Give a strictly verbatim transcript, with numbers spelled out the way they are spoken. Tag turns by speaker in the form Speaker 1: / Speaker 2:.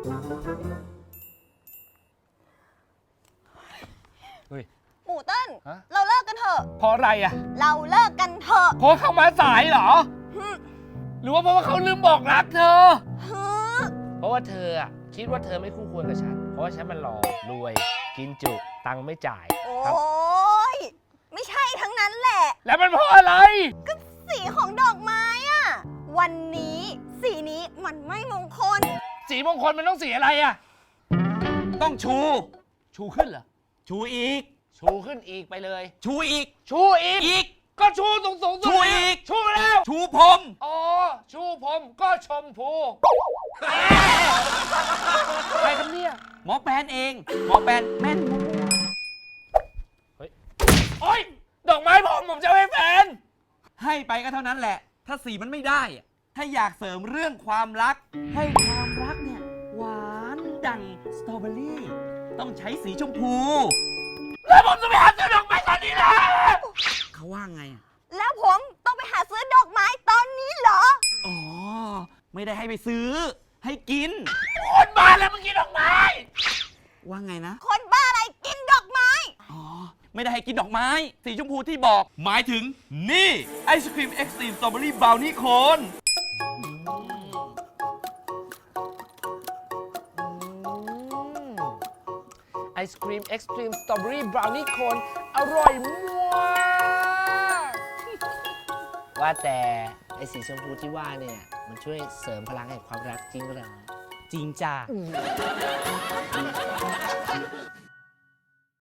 Speaker 1: เฮ้ย
Speaker 2: หมูเติ้ล
Speaker 1: ฮะ
Speaker 2: เราเลิกกันเถอะ
Speaker 1: เพราะอะไรอ่ะ
Speaker 2: เราเลิกกันเถอะ
Speaker 1: เพราะเขามาสายเหรอ
Speaker 2: ฮึ
Speaker 1: หรือว่าเพราะว่าเขาลืมบอกรักเธอ
Speaker 2: ฮึ
Speaker 3: เพราะว่าเธออะคิดว่าเธอไม่คู่ควรกับฉัน เพราะว่าฉันมันหล่อรวย กินจุตังค์ไม่จ่าย
Speaker 2: โอ
Speaker 3: ครับ
Speaker 2: ้ยไม่ใช่ทั้งนั้นแหละ
Speaker 1: แล้วมันเพราะอะไร
Speaker 2: ก็สีของดอกไม้อะวันนี้สีนี้มันไม่มงคล
Speaker 1: สีมงคลมันต้องสีอะไรอ่ะ
Speaker 4: ต้องชู
Speaker 1: ชูขึ้นเหรอ
Speaker 4: ชูอีก
Speaker 3: ชูขึ้นอีกไปเลย
Speaker 4: ชูอีก
Speaker 3: ชูอีก
Speaker 4: อีก
Speaker 1: ก็ชูสูงสูงๆสุด
Speaker 4: ชูอีก
Speaker 1: ชูแล้ว
Speaker 4: ชูพรม
Speaker 1: อ๋อ ชูผมก็ชมพูใครครับเนี่ย
Speaker 4: หมอแปนเอง หมอแปนแม่น
Speaker 1: โอ๊ย ดอกไม้ผมผมจะเอาให้แฟน
Speaker 4: ให้ไปก็เท่านั้นแหละ ถ้าสีมันไม่ได้อะถ้าอยากเสริมเรื่องความรัก ให้ความรักเนี่ยหวานดังสตรอเบอรี่ ต้องใช้สีชมพู
Speaker 1: แล้วผมจะไปหาซื้อดอกไม้ตอนนี้นะ
Speaker 4: เขาว่าไงอะ
Speaker 2: แล้วผมต้องไปหาซื้อดอกไม้ตอนนี้เหรอ
Speaker 4: อ๋อ ไม่ได้ให้ไปซื้อ ให้กิน
Speaker 1: คนบ้านแล้วมึงกินดอกไม้
Speaker 4: ว่าไงนะ
Speaker 2: คนบ้าอะไรกินดอกไม้
Speaker 4: อ๋อ ไม่ได้ให้กินดอกไม้ สีชมพูที่บอก หมายถึงนี่ไอศครีมเอ็กซ์ตรีมสตรอเบอรี่บราวนี่โคน
Speaker 3: ไอศครีมเอ็กซ์ตรีมสตรอเบอรี่บราวนี่โคนอร่อยมากว่าแต่ไอสีชมพูที่ว่าเนี่ย มันช่วยเสริมพลังแห่งความรักจริงเหรอ
Speaker 4: จริงจ้า